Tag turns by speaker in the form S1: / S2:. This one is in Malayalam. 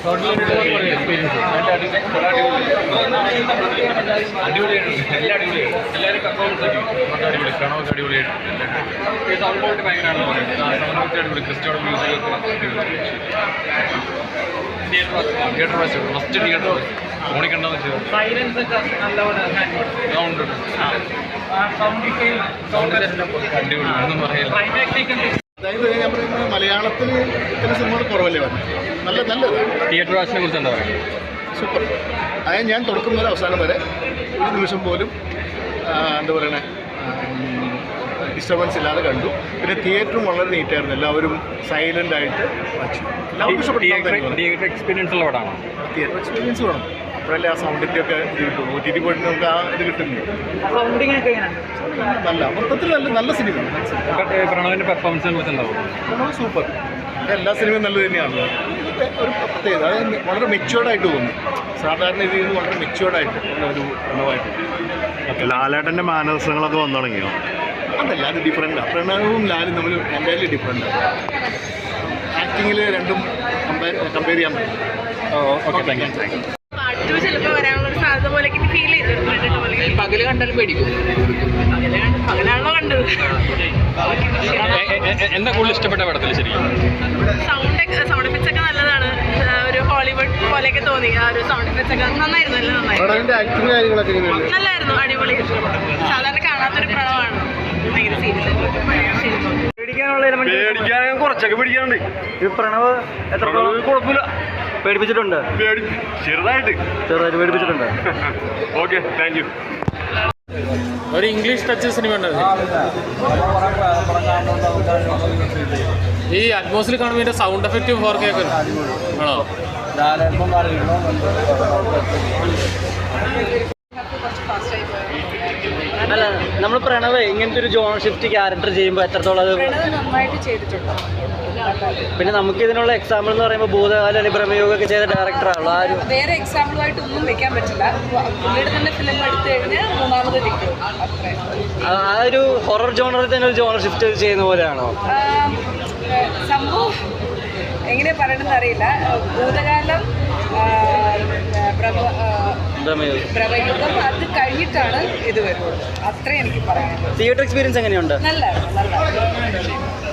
S1: അടിപൊളിയായിട്ടുണ്ട്. എല്ലാം അടിപൊളിയാണ്. എല്ലാവരും പെർഫോമൻസ് അടിപൊളി. പ്രണവൊക്കെ അടിപൊളിയായിട്ട് സൗണ്ട് ക്വാളിറ്റി ഭയങ്കരമാണെന്ന് പറയുന്നത്. സൗണ്ട് അടിപൊളി. ക്രിസ്റ്റോയുടെ music theatre watch first theatre ഫോണിൽ കണ്ടെന്ന് വെച്ചാൽ സൈലൻസ് ഒക്കെ നല്ലപോലെ സൗണ്ട് അടിപൊളി ഒന്നും പറയില്ല.
S2: അതായത് ഞാൻ പറയുന്നത് മലയാളത്തിൽ ഇത്തരം സിനിമകൾ കുറവല്ലേ പറഞ്ഞു. നല്ലതാണ്.
S1: തിയേറ്റർ വാച്ചിനെ കുറിച്ച് എന്താ പറയുക?
S2: സൂപ്പർ. അതായത് ഞാൻ തുടക്കം മുതൽ അവസാനം വരെ ഒരു നിമിഷം പോലും എന്താ പറയണേ ഡിസ്റ്റർബൻസ് ഇല്ലാതെ കണ്ടു. പിന്നെ തിയേറ്ററും വളരെ നീറ്റായിരുന്നു. എല്ലാവരും സൈലൻ്റ് ആയിട്ട് വാച്ചു. എല്ലാവർക്കും ഇഷ്ടപ്പെട്ടു.
S1: തിയേറ്റർ എക്സ്പീരിയൻസ് ഉള്ള പടമാണോ?
S2: തിയേറ്റർ എക്സ്പീരിയൻസ് വേണം. അപ്പോഴല്ലേ ആ സൗണ്ടിൻ്റെ ഒക്കെ ഇത് കിട്ടും. OTT പോയിട്ട് നമുക്ക് ആ ഇത് കിട്ടുന്നില്ല. നല്ല മൊത്തത്തിൽ നല്ല സിനിമയാണ്.
S1: പ്രണവിൻ്റെ പെർഫോമൻസിനെ കുറിച്ച് എന്താവും?
S2: പ്രണവ് സൂപ്പർ. എല്ലാ സിനിമയും നല്ലത് തന്നെയാണ്. ഒരു പ്രത്യേകത അതായത് വളരെ മെച്യൂർഡായിട്ട് തോന്നി. സാധാരണ രീതിയിൽ നിന്ന് വളരെ മെച്യൂർഡായിട്ട് ഒരു പ്രണവായിട്ട്.
S3: ലാലേട്ടൻ്റെ മാനസങ്ങളൊക്കെ വന്നു തുടങ്ങിയോ?
S2: അതല്ല, അത് ഡിഫറെൻറ്റാണ്. പ്രണവും ലാലും തമ്മിൽ എന്തായാലും ഡിഫറെൻറ്റാണ്. ആക്ടിങ്ങിൽ രണ്ടും കമ്പയർ ചെയ്യാൻ പറ്റും.
S1: Okay, thank you.
S4: പാട്ട് ചിലപ്പോൾ വരാനുള്ളൊരു സാധ്യത പോലെ ഫീൽ ചെയ്തിട്ടുണ്ട്.
S5: പകല് കണ്ടാലും പേടിക്കും.
S4: പകലാണല്ലോ കണ്ടത്.
S1: എന്താ കൂടുതൽ ഇഷ്ടപ്പെട്ട പടത്തിൽ ശരിക്കും?
S4: സൗണ്ട് എഫക്ട്സ് ഒക്കെ നല്ലതാണ്. ഒരു ഹോളിവുഡ് പോലെയൊക്കെ തോന്നി. ആ ഒരു സൗണ്ട് എഫക്ട്സ് ഒക്കെ നന്നായിരുന്നു. എല്ലാം നന്നായിരുന്നു.
S2: ആക്ടിങ് കാര്യങ്ങളൊക്കെ
S4: നല്ലായിരുന്നു. അടിപൊളി. സാധാരണ കാണാത്തൊരു പ്രണവമാണ്. ഭയങ്കര സീരിയസ്.
S3: പേടിക്കാൻ കുറച്ചൊക്കെ പേടിക്കാനുണ്ട്.
S6: ഈ പ്രണവ് എത്ര
S3: കുഴപ്പമില്ല.
S6: പേടിപ്പിച്ചിട്ടുണ്ട്?
S3: ചെറുതായിട്ട്
S6: പേടിപ്പിച്ചിട്ടുണ്ട്.
S3: Okay, thank you.
S1: ഒരു ഇംഗ്ലീഷ് ടച്ച് സിനിമ ഉണ്ടായിരുന്നു. ഈ അറ്റ്മോസ്ഫിയർ കാണുമ്പോൾ ഇതിൻ്റെ സൗണ്ട് എഫക്റ്റ് 4K ഒക്കെ ആണോ?
S6: അല്ല, നമ്മൾ പ്രണവ് ഇങ്ങനത്തെ ഒരു ജോൺ ഷിഫ്റ്റ് ക്യാരക്ടർ ചെയ്യുമ്പോൾ എത്രത്തോളം അത്
S4: നന്നായിട്ട് ചെയ്തിട്ടുണ്ട്.
S6: പിന്നെ നമുക്ക് ഇതിനുള്ള എക്സാമ്പിൾ എന്ന് പറയുമ്പോൾ ഭൂതകാല അനുപ്രമയോഗമൊക്കെ ചെയ്ത ഡയറക്ടറാണല്ലോ. ആ ഒരു
S4: വേറെ എക്സാമ്പിളായിട്ട് ഒന്നും വെക്കാൻ പറ്റില്ല. പുള്ളിയുടെ തന്നെ ഫിലിം എടുത്തു കഴിഞ്ഞാൽ മൂന്നാമത് നിൽക്കും. അത്രേ.
S6: ആ ഒരു ഹൊറർ ജോണറിൽ തന്നെ ഒരു ജോണർ ഷിഫ്റ്റ് ചെയ്യുന്ന പോലെയാണോ
S4: സംഭവം? എങ്ങനെ പറയണമെന്ന് അറിയില്ല. ഭൂതകാലം, പ്രഭയുഗം അത് കഴിഞ്ഞിട്ടാണ് ഇത് വരുന്നത്. അത്രേ എനിക്ക് പറയാനുള്ളത്.
S6: തിയേറ്റർ എക്സ്പീരിയൻസ് എങ്ങനെയുണ്ട്?
S4: നല്ല